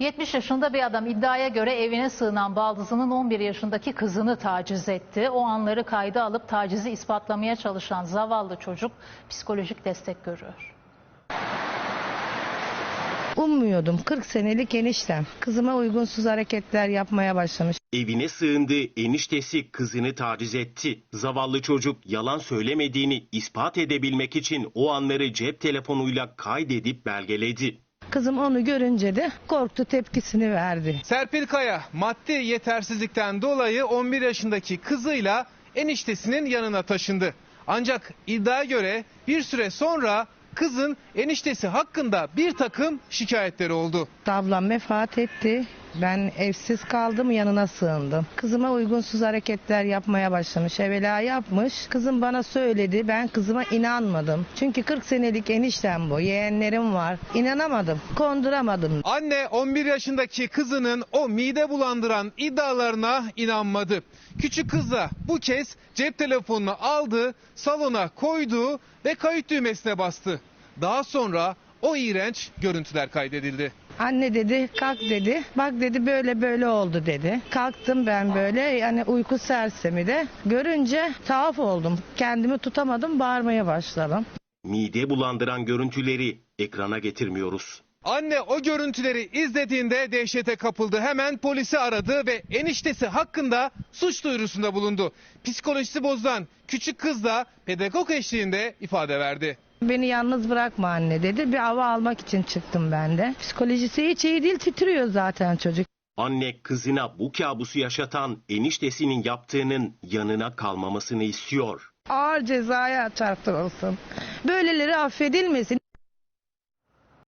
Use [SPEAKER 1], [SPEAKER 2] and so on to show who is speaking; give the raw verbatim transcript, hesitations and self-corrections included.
[SPEAKER 1] yetmiş yaşında bir adam iddiaya göre evine sığınan baldızının on bir yaşındaki kızını taciz etti. O anları kayda alıp tacizi ispatlamaya çalışan zavallı çocuk psikolojik destek görüyor.
[SPEAKER 2] Ummuyordum. kırk senelik eniştem. Kızıma uygunsuz hareketler yapmaya başlamış.
[SPEAKER 3] Evine sığındı, eniştesi kızını taciz etti. Zavallı çocuk yalan söylemediğini ispat edebilmek için o anları cep telefonuyla kaydedip belgeledi.
[SPEAKER 2] Kızım onu görünce de korktu, tepkisini verdi.
[SPEAKER 4] Serpil Kaya maddi yetersizlikten dolayı on bir yaşındaki kızıyla eniştesinin yanına taşındı. Ancak iddiaya göre bir süre sonra kızın eniştesi hakkında bir takım şikayetleri oldu.
[SPEAKER 2] Ablam vefat etti. Ben evsiz kaldım, yanına sığındım. Kızıma uygunsuz hareketler yapmaya başlamış. Evvela yapmış. Kızım bana söyledi. Ben kızıma inanmadım. Çünkü kırk senelik eniştem bu. Yeğenlerim var. İnanamadım. Konduramadım.
[SPEAKER 4] Anne on bir yaşındaki kızının o mide bulandıran iddialarına inanmadı. Küçük kız da bu kez cep telefonunu aldı, salona koydu ve kayıt düğmesine bastı. Daha sonra o iğrenç görüntüler kaydedildi.
[SPEAKER 2] Anne dedi, kalk dedi. Bak dedi, böyle böyle oldu dedi. Kalktım ben böyle, yani uyku sersemi de. Görünce tuhaf oldum. Kendimi tutamadım, bağırmaya başladım.
[SPEAKER 3] Mide bulandıran görüntüleri ekrana getirmiyoruz.
[SPEAKER 4] Anne o görüntüleri izlediğinde dehşete kapıldı. Hemen polisi aradı ve eniştesi hakkında suç duyurusunda bulundu. Psikolojisi bozulan küçük kız da pedagog eşliğinde ifade verdi.
[SPEAKER 2] Beni yalnız bırakma anne dedi. Bir hava almak için çıktım ben de. Psikolojisi hiç iyi değil, titriyor zaten çocuk.
[SPEAKER 3] Anne kızına bu kabusu yaşatan eniştesinin yaptığının yanına kalmamasını istiyor.
[SPEAKER 2] Ağır cezaya çarptırılsın. Böyleleri affedilmesin.